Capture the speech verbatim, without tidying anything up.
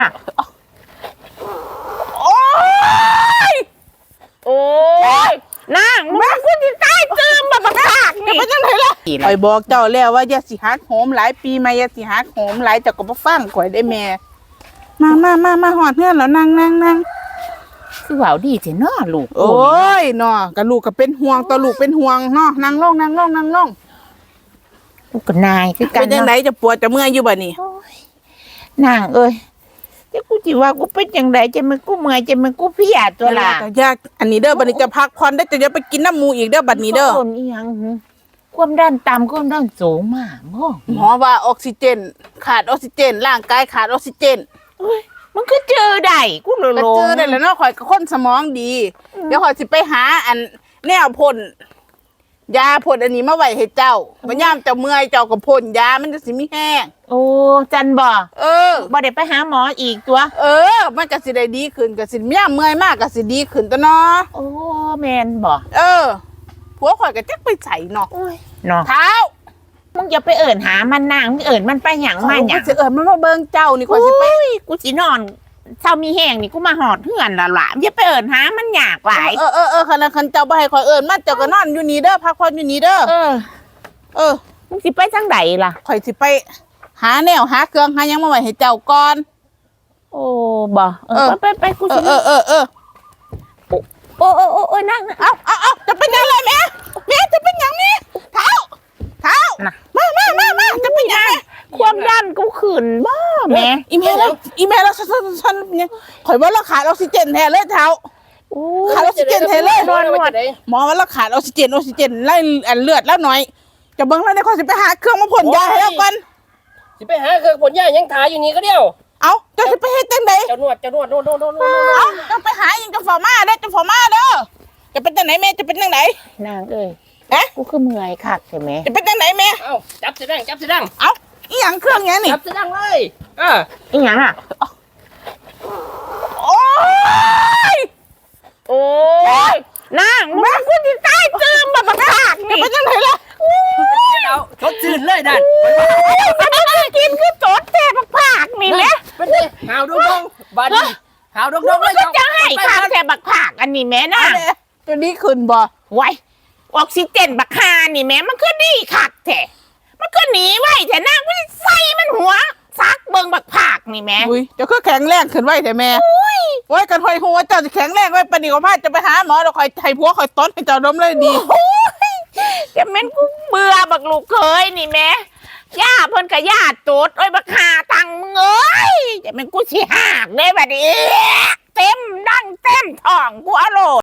โอ้ยโอ้ยนางมึงกูที่ใต้จืมแบบบักคักนี่เป็นยังไงล่ะข่อยบอกเจ้าแล้วว่าอย่าสิฮักโหมหลายปีมาอย่าสิฮักโหมหลายเจ้าก็บ่ฟังข่อยได้แม่มามามามาหอดเฮือนแล้วนั่งนั่งนั่งคือว่าดีเถอะเนาะลูกโอ้ยเนาะกับลูกก็เป็นห่วงตัวลูกเป็นห่วงเนาะนั่งลงนั่งลงนั่งลงลูกกับนายคือกันเป็นยังไงจะปวดจะเมื่อยอยู่บ่นี่นางเอ้ยจะกูจิว่ากูเป็นยังไงจะมันกูเมื่อยจะมันกูเพียตัวละยากอันนี้เด้อบัดนี้จะพักผ่อนได้จะอย่าไปกินน้ำมูอีกเด้อบัดนี้เด้อคนอีหยังความดันต่ำความดันสูงมากหมอว่าออกซิเจนขาดออกซิเจนร่างกายขาดออกซิเจนมันก็เจอได้กูเลยลงเจอได้แล้วเนาะข่อยก็คนสมองดีเดี๋ยวข่อยสิไปหาอันแนวพ่นยาพ่นอันนี้มาไว้ให้เจ้าบ่ยามเจ้าเมื่อยเจ้าก็พ่นยามันจะสิมีแห้งโอ้จันบ่เออบ่ได้ไปหาหมออีกตัวเออมันก็สิได้ดีขึ้นก็สิยามเมื่อยมากก็สิดีขึ้นตัวเนาะโอ้แม่นบ่เออผัวข่อยก็จักไปใส่เนาะเนาะเท้ามึงอย่าไปเอิ่นหามันนางมึงเอิ่นมันไปหยังมาหยังกูสิเอิ่นมันมาเบิ่งเจ้านี่ข่อยสิไปกูสินอนเช้ามีแห้งนี่กูมาหอดเฮือนละล่ะอย่าไปเอิ่นหามันยากหลายเออเออเออคันคันเจ้าบ่ให้ข่อยเอิ่นมาเจ้าก็นอนอยู่นี่เด้อพักผ่อนอยู่นี่เด้อเออเออมึงสิไปจังไดล่ะข่อยสิไปหาแนวหาเครื่องหายังมาไว้ให้เจ้าก่อนโอ้บ่เออไปไปกูสิเออเออเออโอ้โอ้โอ้โอ้นั่งเอาเอาเอาจะเป็นยังไงแม่แม่จะเป็นยังนี่เท้าเท้ามามามามาจะเป็นยังความดันกูขึ้นบ่แม่อีเมลแล้วอีเมลแล้วฉันฉันเนี่ยข่อยว่าเราขาดออกซิเจนแทนเลยเท้าขาดออกซิเจนแทนเลยหมอว่าเราขาดออกซิเจนออกซิเจนไล่อันเลือดแล้วหน่อยจะเบิ้งแล้วในข่อยสิไปหาเครื่องมาพ่นยาให้แล้วกันสิไปหาเครื่องพ่นยายังถ่ายอยู่นี่ก็เดียวเอาจะสิไปเฮ็ดจังได๋เจ้านวดเจ้านวดโน่นโน่นโน่นเอาจะไปหายังจะฝ่ามาเด้อจะฝ่ามาเด้อจะเป็นจังไหนแม่จะเป็นจังไหนนางเอ้ยฮะกูคือเมื่อยคักใช่ไหมจะเป็นจังไหนแม่เอ้าจับสิดังจับสิดังเอ้าอีหยังเครื่องหยังนี่จับสิดังเลยอ่าอีหยังอ่ะโอ้ยโอ้ยนางมึงกูที่ใต้จืมแบบบักคักนี่เป็นจังไหนล่ะเอาชดชื่นเลยนั่นกินคือโจดแท้บักคักนี่แหละเป็นไงหาวดงดงบาดีหาวดงดงเลยจะให้คักแท้บักคักอันนี้แม่น่ะตัวนี้ขึ้นบ่ไว้ออกซิเจนบักคานี่แม่มันก็ดีคักแท้มันก็หนีไว้แต่นางไม่ใส่มันหัวซักเบิ่งบักผักนี่แม่อุ้ยเจ้าคือแข็งแรงขึ้นไว้แต่แม่อุ้ยไว้กันหอยหัวเจ้าจะแข็งแรงไว้ปานนี้ก็พาจะไปหาหมอเดี๋ยวคอยไทยผัวคอยต้นให้เจ้าดมเลยดีจะแม่นกูเบื่อบักลูกเคยนี่แม่ย่าเพิ่นก็ย่าโตดโอ้ยบักหาตังมึงเอ้ยจะแม่นกูสิหักเด้บัดนี้เต็มดังเต็มท้องกูอโล